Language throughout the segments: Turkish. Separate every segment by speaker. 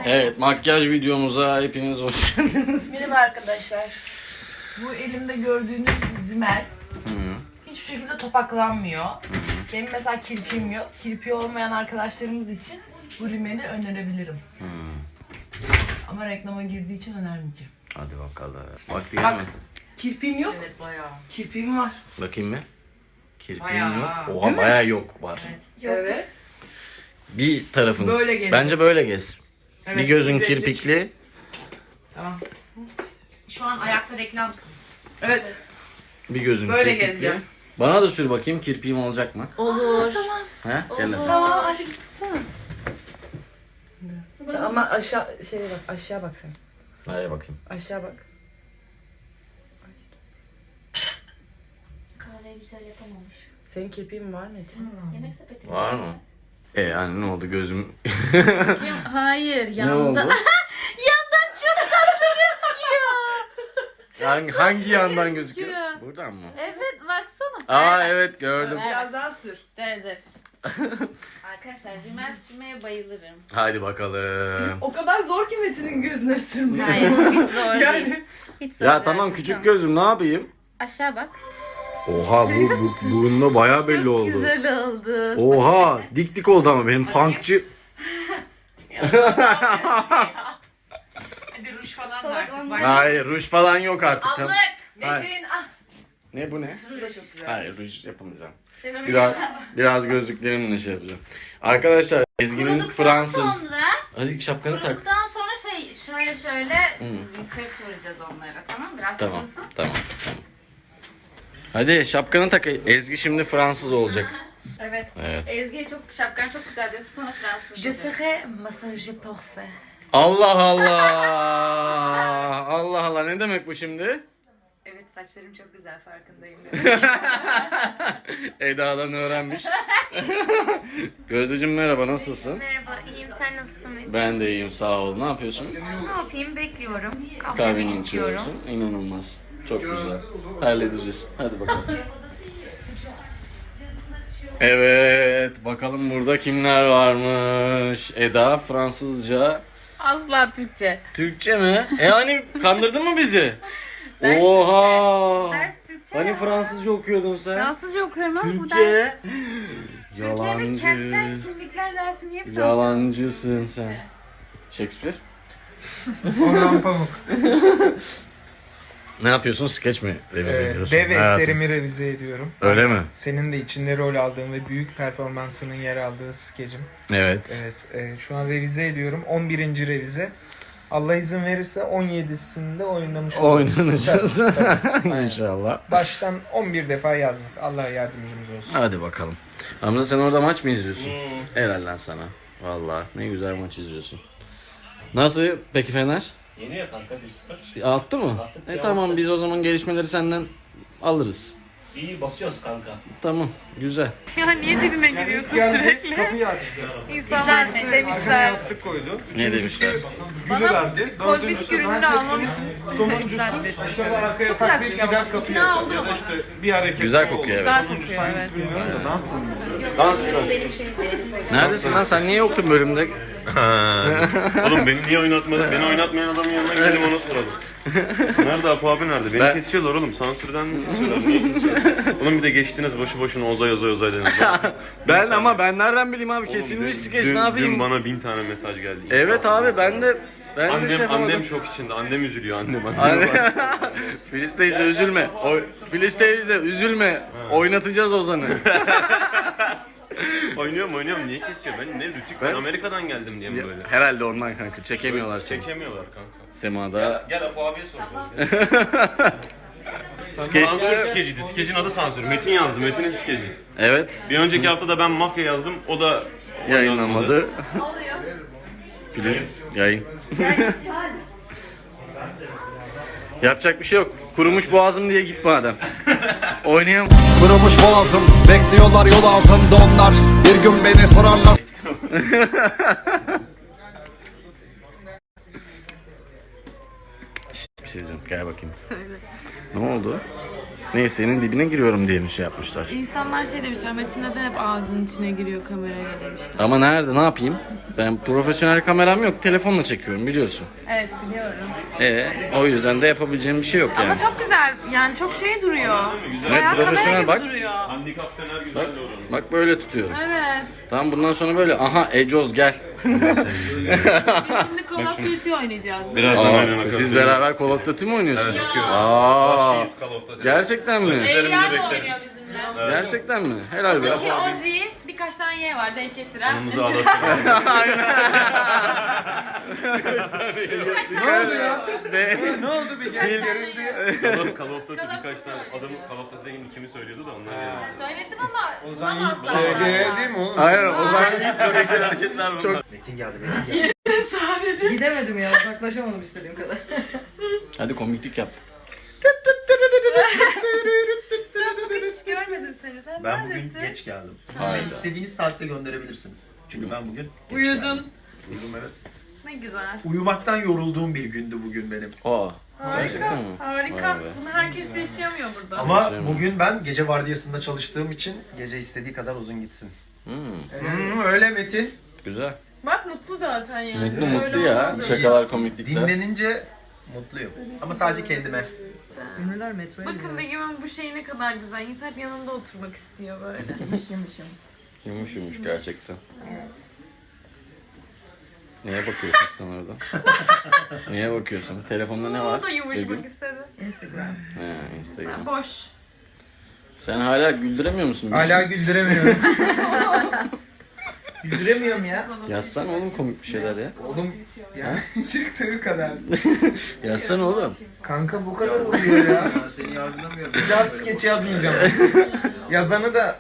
Speaker 1: Evet, makyaj videomuza hepiniz hoş geldiniz.
Speaker 2: Merhaba arkadaşlar. Bu elimde gördüğünüz rimel hiçbir şekilde topaklanmıyor. Benim mesela kirpiğim yok. Kirpiği olmayan arkadaşlarımız için bu rimeli önerebilirim. Ama reklama girdiği için önermeyeceğim.
Speaker 1: Hadi bakalım. Vakti
Speaker 2: Bak,
Speaker 1: gelmedi.
Speaker 2: kirpiğim yok.
Speaker 3: Evet bayağı.
Speaker 2: Kirpiğim var.
Speaker 1: Bakayım mı? Kirpiğim
Speaker 3: Bayağı.
Speaker 1: yok.
Speaker 2: Değil
Speaker 1: Oha
Speaker 2: mi?
Speaker 1: bayağı yok var.
Speaker 2: Evet.
Speaker 1: Bir tarafın.
Speaker 2: Böyle gez.
Speaker 1: Bence böyle gez.
Speaker 2: Evet,
Speaker 1: bir gözün
Speaker 2: bir
Speaker 1: kirpikli.
Speaker 2: Tamam.
Speaker 3: Şu an ayakta reklamsın.
Speaker 2: Evet.
Speaker 1: Bir gözün
Speaker 2: Böyle
Speaker 1: kirpikli.
Speaker 2: gezeceğim.
Speaker 1: Bana da sür bakayım kirpiğim olacak mı?
Speaker 3: Olur.
Speaker 1: He? Gel hadi.
Speaker 3: Tamam aşkım tutsana.
Speaker 2: Ama aşağı şeye bak, aşağı bak sen.
Speaker 1: Hadi bakayım.
Speaker 2: Aşağı bak.
Speaker 3: Kahveyi güzel yapamamış.
Speaker 2: Senin kirpiğin var Metin.
Speaker 3: Yemek sepeti.
Speaker 1: Var mı? Yani ne oldu gözüm?
Speaker 3: Hayır
Speaker 1: ne
Speaker 3: yanında.
Speaker 1: oldu?
Speaker 3: Yandan çok tatlı gözüküyor.
Speaker 1: Hangi yandan gözüküyor?
Speaker 3: gözüküyor.
Speaker 1: Buradan mı?
Speaker 3: Evet baksana.
Speaker 1: Aa evet gördüm.
Speaker 2: Biraz daha sür.
Speaker 3: Dur. Arkadaşlar rimel sürmeye bayılırım.
Speaker 1: Hadi bakalım.
Speaker 2: O kadar zor ki Metin'in gözüne sürmüyor.
Speaker 3: Hayır hiç zor
Speaker 2: Yani-
Speaker 3: değil. Hiç zor
Speaker 1: Ya
Speaker 3: değil.
Speaker 1: tamam küçük gözüm ne yapayım?
Speaker 3: Aşağı bak.
Speaker 1: Oha bu burunda bayağı belli oldu.
Speaker 3: Güzel oldu.
Speaker 1: Oha dik dik oldu ama benim punkçı.
Speaker 3: Hadi ruj falan da artık. Bak.
Speaker 1: Hayır ruj falan yok artık.
Speaker 2: Abla,
Speaker 1: Hayır.
Speaker 2: Metin ah.
Speaker 1: Ne bu ne?
Speaker 2: Bu da çok güzel.
Speaker 1: Hayır ruj yapamayacağım. Biraz gözlüklerimle şey yapacağım. Arkadaşlar Ezgi'nin
Speaker 3: Kuruduktan
Speaker 1: Fransız.
Speaker 3: sonra,
Speaker 1: Hadi şapkanı tak.
Speaker 3: kuruduktan sonra şöyle
Speaker 1: Hı.
Speaker 3: yukarı kıvıracağız onları, tamam? Biraz
Speaker 1: Tamam
Speaker 3: kurusun.
Speaker 1: tamam. Hadi şapkanı tak. Ezgi şimdi Fransız olacak.
Speaker 3: Evet.
Speaker 1: Evet.
Speaker 3: Ezgi'ye şapkan çok güzel diyorsun, sana Fransız.
Speaker 2: Je serai massage parfait.
Speaker 1: Allah Allah. Allah Allah ne demek bu şimdi?
Speaker 3: Evet, saçlarım çok güzel, farkındayım.
Speaker 1: Eda'dan öğrenmiş. Gözdeciğim merhaba nasılsın?
Speaker 3: Merhaba, iyiyim. Sen nasılsın?
Speaker 1: Ben de iyiyim sağ ol. Ne yapıyorsun?
Speaker 3: Ne yapayım? Bekliyorum.
Speaker 1: Kahveni içiyorsun. İnanılmaz. Çok güzel. Halledeceğiz. Hadi bakalım. Evet. Bakalım burada kimler varmış. Eda Fransızca.
Speaker 3: Asla Türkçe.
Speaker 1: Türkçe mi? Hani kandırdın mı bizi?
Speaker 3: Ders
Speaker 1: Oha.
Speaker 3: Ders Türkçe.
Speaker 1: Hani
Speaker 3: ya.
Speaker 1: Fransızca okuyordun sen?
Speaker 3: Fransızca okuyorum ama bu ders.
Speaker 1: Türkçe.
Speaker 3: Türkiye'de kentsel
Speaker 1: Yalancı.
Speaker 3: kimlikler dersi niye Fransızca?
Speaker 1: Yalancısın sen. Shakespeare.
Speaker 4: Orhan Pamuk.
Speaker 1: Ne yapıyorsun? Skeç mi revize ediyorsun?
Speaker 4: Dev
Speaker 1: Hayatım.
Speaker 4: eserimi revize ediyorum.
Speaker 1: Öyle mi?
Speaker 4: Senin de içinde rol aldığın ve büyük performansının yer aldığı skecim.
Speaker 1: Evet.
Speaker 4: Evet, şu an revize ediyorum. 11. revize. Allah izin verirse 17'sinde oynamış oluruz.
Speaker 1: Oynanacağız.
Speaker 4: Tabii, tabii.
Speaker 1: İnşallah.
Speaker 4: Baştan 11 defa yazdık. Allah yardımcımız olsun.
Speaker 1: Hadi bakalım. Hamza sen orada maç mı izliyorsun? Helal lan sana. Vallahi ne güzel maç izliyorsun. Nasıl peki Fener?
Speaker 5: Yeniyor kanka 1-0.
Speaker 1: Attı mı?
Speaker 5: Attık ya.
Speaker 1: Tamam biz o zaman gelişmeleri senden alırız.
Speaker 5: İyi basıyoruz kanka.
Speaker 1: Tamam güzel.
Speaker 3: Ya niye dibime giriyorsun
Speaker 4: Geldi,
Speaker 3: sürekli?
Speaker 4: kapıyı açtı.
Speaker 3: İnsanlar
Speaker 4: Arkana
Speaker 3: demişler.
Speaker 4: yastık koydu.
Speaker 1: Ne demişler?
Speaker 4: Gülü verdi.
Speaker 3: kozmetik ürününü almam için
Speaker 4: Sonuncusu acaba arkaya
Speaker 3: güzel
Speaker 4: takviye
Speaker 3: kokuyor
Speaker 4: gider
Speaker 3: ama.
Speaker 4: kapıyı
Speaker 3: İkna
Speaker 4: açar.
Speaker 3: oldum
Speaker 4: Ya da
Speaker 3: ama.
Speaker 4: işte bir hareket.
Speaker 1: Güzel kokuyor evet.
Speaker 3: Güzel kokuyor, evet.
Speaker 4: Bilmiyorum da dans mı?
Speaker 1: Dans.
Speaker 3: Benim şeyim değil.
Speaker 1: Neredesin lan sen niye yoktun bölümde?
Speaker 5: Oğlum beni niye oynatmadın? Beni oynatmayan adamın yanına gidelim ona soralım. Nerede Apo abi nerede? Beni kesiyorlar oğlum. Sansürden mi kesiyorlar? Niye kesiyorlar? Oğlum bir de geçtiniz boşu boşuna ozay dediniz.
Speaker 1: Ben nereden bileyim abi kesilmiş skeç ne yapayım?
Speaker 5: Dün bana 1000 tane mesaj geldi.
Speaker 1: Evet
Speaker 5: İnsafsız
Speaker 1: abi
Speaker 5: insanlar.
Speaker 1: ben de şey
Speaker 5: Annem
Speaker 1: yapamadım.
Speaker 5: şok içinde. Annem üzülüyor annem.
Speaker 1: Filiz teyze üzülme. Filiz teyze üzülme. Oynatacağız Ozan'ı.
Speaker 5: Oynuyorum. Niye kesiyor? Ben ne rütük? Ben Amerika'dan geldim diye mi böyle?
Speaker 1: Herhalde ondan kanka çekemiyorlar seni.
Speaker 5: Çekemiyorlar kanka.
Speaker 1: Semada.
Speaker 5: Gel Apo abiye soracağız.
Speaker 1: Skeç.
Speaker 5: Sansür skeciydi. Skecin adı sansür. Metin yazdı. Metin'in skeci.
Speaker 1: Evet.
Speaker 5: Bir önceki haftada ben mafya yazdım. O da
Speaker 1: Yayınlanmadı. Filiz yayın. Yapacak bir şey yok. Kurumuş boğazım diye git madem. Oynayamam.
Speaker 6: Kırılmış boğazım, bekliyorlar yol altında onlar. Bir gün beni sorarlar.
Speaker 1: Bir şey diyeceğim. Gel bakayım. Ne oldu? Neyse senin dibine giriyorum diye mi şey yapmışlar?
Speaker 7: İnsanlar şey demişler, Metin neden hep ağzının içine giriyor kameraya demişler.
Speaker 1: Ama nerede? Ne yapayım? Ben profesyonel kameram yok. Telefonla çekiyorum biliyorsun.
Speaker 3: Evet biliyorum.
Speaker 1: O yüzden de yapabileceğim bir şey yok yani.
Speaker 3: Ama çok güzel. Yani çok şey duruyor.
Speaker 1: Evet,
Speaker 3: Bayağı
Speaker 1: profesyonel
Speaker 3: kamera gibi
Speaker 1: bak.
Speaker 3: duruyor.
Speaker 5: Handikap fener güzel de oranın.
Speaker 1: Bak böyle tutuyorum.
Speaker 3: Evet.
Speaker 1: Tamam bundan sonra böyle. Aha Ecoz gel.
Speaker 3: Biz şimdi Call of Duty oynayacağız.
Speaker 5: Birazdan aynen
Speaker 1: Siz beraber Call of Duty mi oynuyorsunuz?
Speaker 5: Evet, yapıyoruz.
Speaker 1: Aa,
Speaker 5: Vahşiyiz Call of Duty'de.
Speaker 1: gerçekten mi?
Speaker 3: Eyler de
Speaker 5: bekleriz.
Speaker 3: oynuyor bizimle.
Speaker 1: Gerçekten mi? Helal be.
Speaker 3: Ki Ozzy birkaç tane Y var denk getiren.
Speaker 5: Yanımıza ağlatıyorlar.
Speaker 1: Ne oldu ya?
Speaker 4: Ne oldu bir gel gerildi.
Speaker 5: Call of Duty birkaç tane adamın Call of Duty'de kimi söylüyordu da onlar geldi.
Speaker 3: Söyledim ama
Speaker 4: Ozan
Speaker 3: bulamazlar.
Speaker 4: Yiğit değil mi oğlum?
Speaker 1: Aynen o zaman
Speaker 5: Çok güzel hareketler bunlar.
Speaker 7: Metin geldi, Metin geldi.
Speaker 2: Gidemedim ya, uzaklaşamadım istediğim kadar.
Speaker 1: hadi komiklik yap.
Speaker 3: Sen bugün hiç görmedim seni. Sen
Speaker 7: Ben bugün
Speaker 3: neredesin?
Speaker 7: geç geldim.
Speaker 1: Hayda.
Speaker 7: Beni istediğiniz saatte gönderebilirsiniz. Çünkü ben bugün geç
Speaker 3: Uyudun.
Speaker 7: geldim. Uyudum evet.
Speaker 3: Ne güzel.
Speaker 7: Uyumaktan yorulduğum bir gündü bugün benim.
Speaker 1: Aa.
Speaker 3: Harika.
Speaker 1: Gerçekten mi?
Speaker 3: Harika.
Speaker 1: Vay be.
Speaker 3: Bunu herkes de yaşayamıyor burada.
Speaker 7: Ama
Speaker 1: Aferin.
Speaker 7: bugün ben gece vardiyasında çalıştığım için gece istediği kadar uzun gitsin.
Speaker 1: Hmm,
Speaker 7: Öyle Metin.
Speaker 1: güzel.
Speaker 3: Bak mutlu zaten yani.
Speaker 1: Mutlu
Speaker 3: Öyle
Speaker 1: mutlu ya.
Speaker 3: olmaz.
Speaker 1: Şakalar komiklikler.
Speaker 7: Dinlenince mutluyum. Ama sadece kendime.
Speaker 2: Ünlüler metroya
Speaker 3: Bakın Begüm'ün bu şeyi ne kadar güzel. İnsan hep yanında oturmak istiyor böyle.
Speaker 1: Yumuş yumuş gerçekten. Neye bakıyorsun sen orada? Neye bakıyorsun? Telefonda ne var?
Speaker 3: O da yumuşamak
Speaker 1: Begüm?
Speaker 3: istedi.
Speaker 2: Instagram.
Speaker 1: He, Instagram.
Speaker 3: Boş.
Speaker 1: Sen hala güldüremiyor musun bizi?
Speaker 4: Hala güldüremiyorum. Güldüremiyorum ya.
Speaker 1: Yazsana oğlum komik bir şeyler ya.
Speaker 4: Oğlum yani çıktığı kadar.
Speaker 1: Yazsana oğlum.
Speaker 4: Kanka bu kadar oluyor ya.
Speaker 7: Ya seni yargılamıyorum.
Speaker 4: Bir daha skeç yazmayacağım. Yazanı da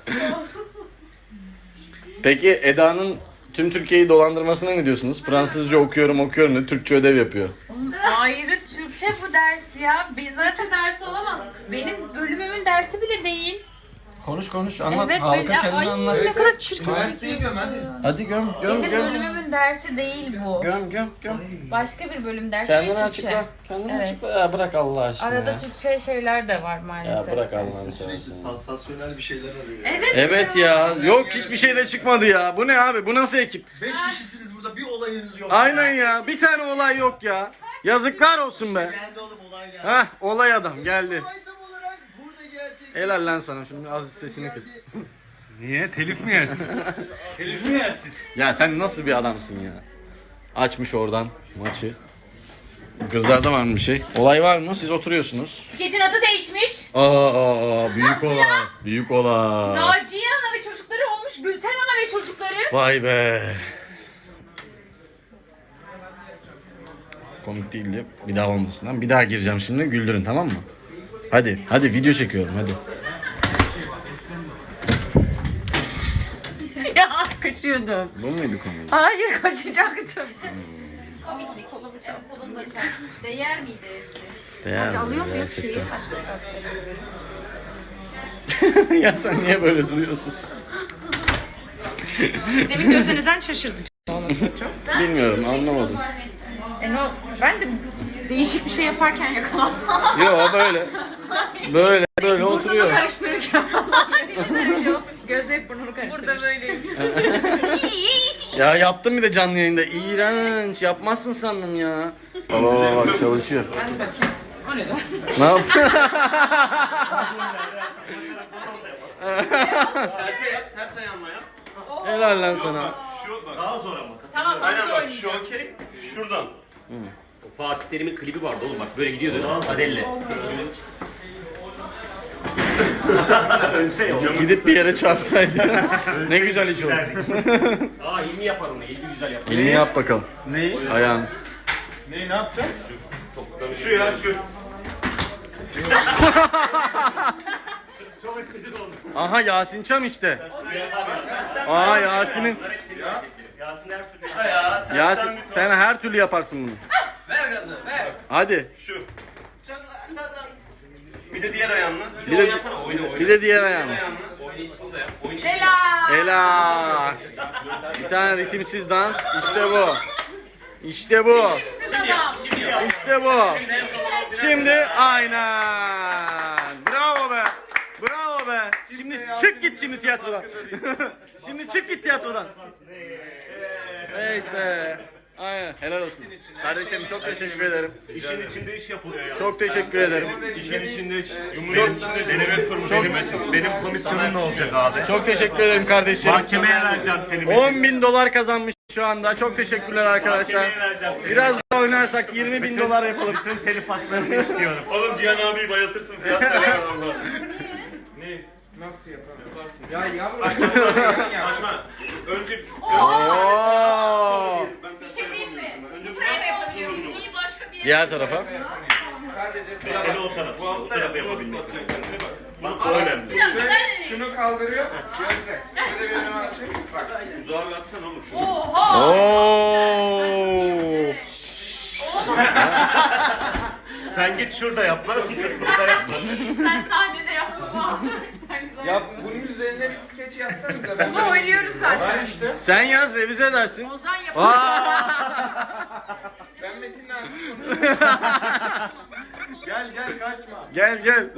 Speaker 1: Peki Eda'nın tüm Türkiye'yi dolandırmasına ne diyorsunuz? Fransızca okuyorum da Türkçe ödev yapıyor.
Speaker 8: Ayrı Türkçe bu ders ya.
Speaker 3: Zaten dersi olamaz.
Speaker 8: Benim bölümümün dersi bile değil.
Speaker 1: Konuş
Speaker 8: Evet böyle ay ne kadar çirkin.
Speaker 4: üniversiteyi göm hadi.
Speaker 1: Hadi göm
Speaker 8: Benim bölümümün dersi değil bu.
Speaker 1: Göm.
Speaker 8: Başka bir bölüm dersi
Speaker 1: Kendini
Speaker 8: Türkçe.
Speaker 1: açıkla. Kendini
Speaker 8: Evet.
Speaker 1: açıkla. Ya bırak Allah aşkına
Speaker 8: Arada
Speaker 1: ya.
Speaker 8: Türkçe şeyler de var
Speaker 1: Ya
Speaker 8: maalesef.
Speaker 1: bırak Allah'ını
Speaker 7: Sürekli
Speaker 1: seversen.
Speaker 7: sansasyonel bir şeyler arıyor.
Speaker 8: Evet.
Speaker 1: Evet ya. Yok hiçbir şey de çıkmadı ya. Bu ne abi? Bu nasıl ekip?
Speaker 7: 5 kişisiniz burada, bir olayınız yok.
Speaker 1: Aynen ya. Bir tane olay yok ya. Yazıklar olsun be.
Speaker 7: Geldi oğlum, olay geldi.
Speaker 1: Hah olay adam geldi.
Speaker 7: Olay tam olarak burada gerçek.
Speaker 1: Helal lan sana. Şimdi az sesini kıs.
Speaker 5: Niye? Telif mi yersin? Telif mi yersin?
Speaker 1: Ya sen nasıl bir adamsın ya? Açmış oradan maçı. Kızlarda var mı bir şey? Olay var mı? Siz oturuyorsunuz.
Speaker 3: Skeçin adı değişmiş.
Speaker 1: Aa büyük olay. Büyük olay.
Speaker 3: Naciye Ana ve çocukları olmuş Gülten Ana ve çocukları.
Speaker 1: Vay be. Komik değildi. Bir daha olmasın lan. Bir daha gireceğim şimdi. Güldürün tamam mı? Hadi video çekiyorum hadi.
Speaker 3: Ya kaçıyordum.
Speaker 1: Bu muydu komik?
Speaker 3: Hayır kaçacaktım.
Speaker 8: Komiklik kolunu da çarp. Değer miydi eski?
Speaker 1: Değer mi
Speaker 3: Alıyor muyuz
Speaker 1: gerçekten?
Speaker 3: şeyi? Başka
Speaker 1: Ya sen niye böyle duruyorsun?
Speaker 3: Demin gözünüzden şaşırdım.
Speaker 1: Bilmiyorum anlamadım.
Speaker 3: Ben de değişik bir şey yaparken yakalandım.
Speaker 1: Yo böyle oturuyor.
Speaker 3: Karıştırırken. Gözle hep burnumu karıştırır. Burada böyleyim.
Speaker 1: Ya yaptım bir de canlı yayında. İğrenç. Yapmazsın sandım ya. Baba bak çalışıyor.
Speaker 3: Ben de bakayım. O ne lan?
Speaker 1: Ne yaptın?
Speaker 5: Ters ayağınla yap.
Speaker 1: Helal lan sana.
Speaker 5: Şu bak. Daha zor ama.
Speaker 3: Tamam
Speaker 5: Aynen
Speaker 3: hızlı
Speaker 5: bak
Speaker 3: oynayacağım.
Speaker 5: şu okey. Şuradan.
Speaker 9: Fatih Terim'in klibi vardı oğlum bak böyle gidiyordu Adelle. Ölse ya.
Speaker 1: Gidip bir yere çarpsaydı. Ne güzel iş oldu.
Speaker 9: Aa ilmi yapar onu ilmi güzel yapar.
Speaker 1: Elini yap bakalım.
Speaker 5: Neyi?
Speaker 1: Ayağını.
Speaker 5: Neyi ne yapacağım? Şu ya şu. Çok estetik oldu.
Speaker 1: Aha Yasin Çam işte. Aa Yasin'in.
Speaker 9: Yasin her türlü.
Speaker 1: Yasin sen her türlü yaparsın bunu.
Speaker 5: Ver gazı ver.
Speaker 1: Hadi.
Speaker 5: Şu. Bir de diğer ayağınla.
Speaker 1: Bir de,
Speaker 9: Oynasana oyna.
Speaker 1: bir de diğer ayağını.
Speaker 5: Ayağınla.
Speaker 9: Oynayışını da yap.
Speaker 3: Helal.
Speaker 1: Helal. Bir tane ritimsiz dans. İşte bu. İşte bu.
Speaker 3: Siz adam.
Speaker 1: İşte bu. Şimdi aynen. Bravo be. Bravo be. Şimdi çık git şimdi tiyatrodan. Şimdi çık git tiyatrodan. Evet be. Aynen. Helal olsun. Kardeşim çok teşekkür ederim.
Speaker 5: İşin içinde iş yapılıyor ya.
Speaker 1: Çok teşekkür ederim.
Speaker 5: İşin içinde Cumhuriyet içinde denetmek kurmuş benim komisyonum ne olacak abi?
Speaker 1: Çok teşekkür ederim kardeşim.
Speaker 5: Mahkemeye vereceğim seni.
Speaker 1: 10.000 dolar kazanmış şu anda. Çok teşekkürler arkadaşlar.
Speaker 5: Mahkemeye vereceğim seni.
Speaker 1: Biraz daha oynarsak 20.000 dolar yapalım.
Speaker 5: Bütün telif haklarını istiyorum. Oğlum Cihan abiyi bayıltırsın fiyat söyle valla. Ne?
Speaker 4: Nasıl yapalım? Ya yavrum.
Speaker 5: Açma. Önce...
Speaker 1: Oo.
Speaker 5: Ben bir şey diyeyim mi? Önce
Speaker 8: Bu tarafa yapabiliyorsun. İyi başka bir yere.
Speaker 1: Diğer tarafa.
Speaker 4: Sadece
Speaker 5: seni o tarafa. O tarafa yapabilmek. Bak o önemli.
Speaker 4: şunu kaldırıyor. Gözle. Şöyle bir önüme açayım. Bak.
Speaker 5: Uzağa bir atsana oğlum şunu.
Speaker 8: Oha.
Speaker 1: Oo.
Speaker 5: Sen git şurada yap lan. Burada yapma.
Speaker 8: Sen sahnede yapma. Sen güzel.
Speaker 4: Ya bunun üzerine bir skeç yazsanıza. Ben
Speaker 3: Bunu oynuyoruz zaten.
Speaker 4: işte.
Speaker 1: Sen yaz revize edersin.
Speaker 8: Ozan yapıyor.
Speaker 4: Ben Metin'le artık konuşuyorum.
Speaker 5: Gel kaçma.
Speaker 1: Gel.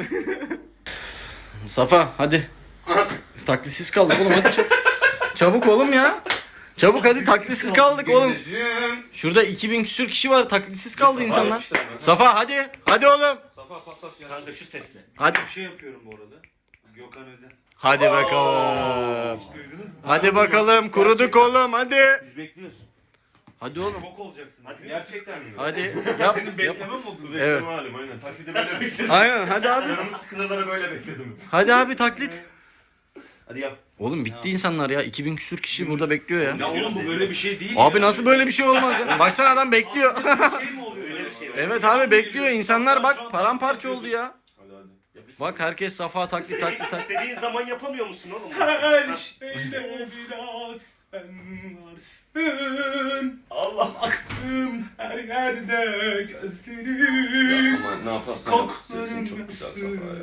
Speaker 1: Safa hadi. Taklitsiz kaldık oğlum hadi çabuk. Çabuk oğlum ya. Çabuk hadi taklitsiz kaldık oğlum. Şurada 2000 küsür kişi var taklitsiz kaldı insanlar. Safa hadi. Hadi oğlum.
Speaker 5: Safa patlat ya. Kanka şu sesle.
Speaker 1: Hadi.
Speaker 5: Bir şey yapıyorum bu arada. Gökhan Özen.
Speaker 1: Hadi bakalım. Hadi bakalım kuruduk oğlum hadi.
Speaker 5: Biz bekliyoruz.
Speaker 1: Hadi oğlum.
Speaker 5: Bok olacaksın. Hadi. Gerçekten mi?
Speaker 1: Hadi yap.
Speaker 5: Senin beklemem mi oldu?
Speaker 1: Evet.
Speaker 5: Bekleme halim aynen. Taklidi böyle bekledim.
Speaker 1: Aynen hadi abi.
Speaker 5: Canımın sıkıntıları böyle bekledim.
Speaker 1: Hadi abi taklit.
Speaker 5: Hadi yap.
Speaker 1: Oğlum bitti insanlar ya. 2000 küsür kişi burada bekliyor ya.
Speaker 5: Ya oğlum bu böyle bir şey değil.
Speaker 1: Abi nasıl böyle bir şey olmaz ya? Baksana adam bekliyor.
Speaker 5: şey mi oluyor? Öyle bir şey.
Speaker 1: Evet abi bekliyor. İnsanlar bak paramparça oldu ya.
Speaker 5: Hadi.
Speaker 1: Bak herkes Safa taklit.
Speaker 5: İstediğin zaman yapamıyor musun oğlum?
Speaker 4: Her şeyde biraz sen varsın.
Speaker 5: Allah
Speaker 4: Baktım her yerde gözlerim.
Speaker 5: Ama ne yaparsan yap sesin çok güzel Safa ya.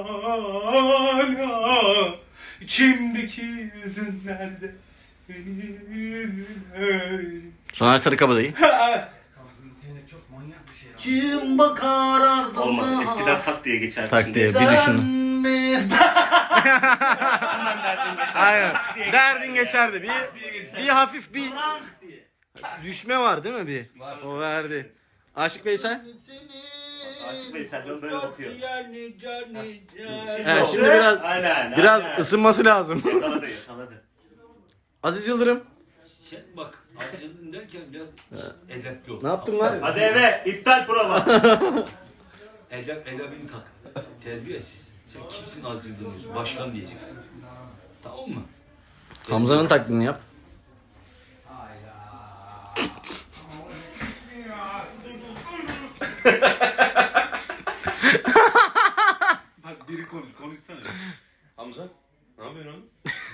Speaker 4: Hala içimdeki yüzün nerede? Senin.
Speaker 1: Soner Sarıkabadayı.
Speaker 7: Kim bakar ardına?
Speaker 5: Olmadı. Eskiden tak diye geçerdi.
Speaker 1: Tak diye bir düşün. Aynen. Derdin geçerdi. Bir hafif bir düşme var değil mi bir? O verdi. Aşık Veysel.
Speaker 5: Aşık Veysel'den böyle bakıyor.
Speaker 1: He, şimdi biraz
Speaker 5: Aynen.
Speaker 1: ısınması lazım.
Speaker 5: Yakaladı.
Speaker 1: Aziz Yıldırım.
Speaker 10: Sen bak Asya'nın derken biraz edepli ol.
Speaker 1: Ne yaptın lan?
Speaker 5: Hadi eve. İptal prova.
Speaker 10: Edebini tak. Terbiyesiz. Sen kimsin Aziz Yıldırım? Başkan diyeceksin. Tamam mı?
Speaker 1: Hamza'nın taklidini yap.
Speaker 10: Bak biri konuşsana.
Speaker 5: Hamza. Ne yapıyorsun oğlum?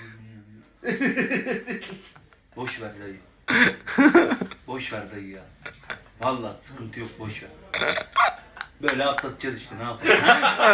Speaker 10: Boş ver dayı. Boş ver dayı ya. Vallahi sıkıntı yok boş ver. Böyle atlatacağız işte ne yapalım.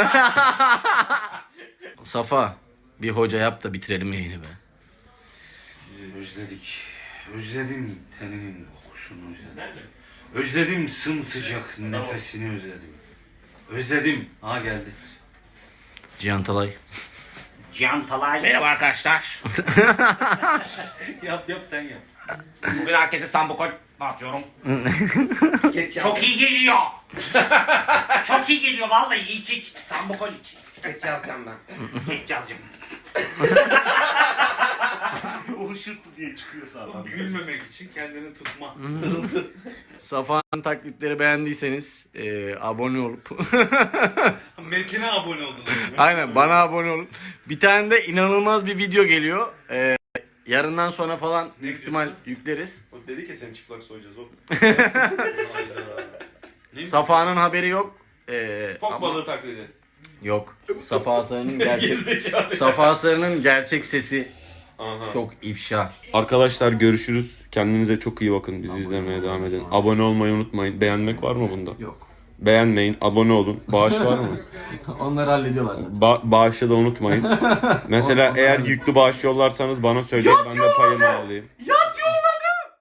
Speaker 1: Safa bir hoca yap da bitirelim yayını be.
Speaker 10: Özledik. Özledim teninin kokusunu özledim. Özledim sımsıcak nefesini özledim. Özledim. Ha geldi.
Speaker 1: Cihan Talay.
Speaker 9: Cihan Talay. Merhaba arkadaşlar.
Speaker 10: Yap sen yap.
Speaker 9: Bugün herkese sambokol atıyorum. Çok iyi geliyor. Çok iyi geliyor vallahi iç. Sambokol iç.
Speaker 7: Skeç yazacağım ben.
Speaker 9: Geç yazacağım.
Speaker 5: O hışırtı diye çıkıyor sağdan.
Speaker 10: Gülmemek için kendini tutma.
Speaker 1: Safa'nın taklitleri beğendiyseniz abone olup
Speaker 10: Metin'e abone oldun.
Speaker 1: aynen bana abone olun. Bir tane de inanılmaz bir video geliyor. Yarından sonra falan büyük ihtimal yükleriz.
Speaker 5: O dedi ki seni çıplak soyacağız oğlum.
Speaker 1: Safa'nın haberi yok.
Speaker 5: Fok
Speaker 1: Ama
Speaker 5: balığı taklidi.
Speaker 1: yok. Safa Sarı'nın gerçek
Speaker 5: Gerizekalı.
Speaker 1: Safa Sarı'nın gerçek sesi
Speaker 5: Aha.
Speaker 1: çok ifşa.
Speaker 5: Arkadaşlar görüşürüz. Kendinize çok iyi bakın. Bizi izlemeye devam edin. Abone olmayı unutmayın. Beğenmek var mı bunda?
Speaker 1: Yok.
Speaker 5: Beğenmeyin. Abone olun. Bağış var mı?
Speaker 1: Onları hallediyorlar zaten.
Speaker 5: Bağışı da unutmayın. Mesela eğer yüklü bağış yollarsanız bana söyleyin. Ben de payımı alayım.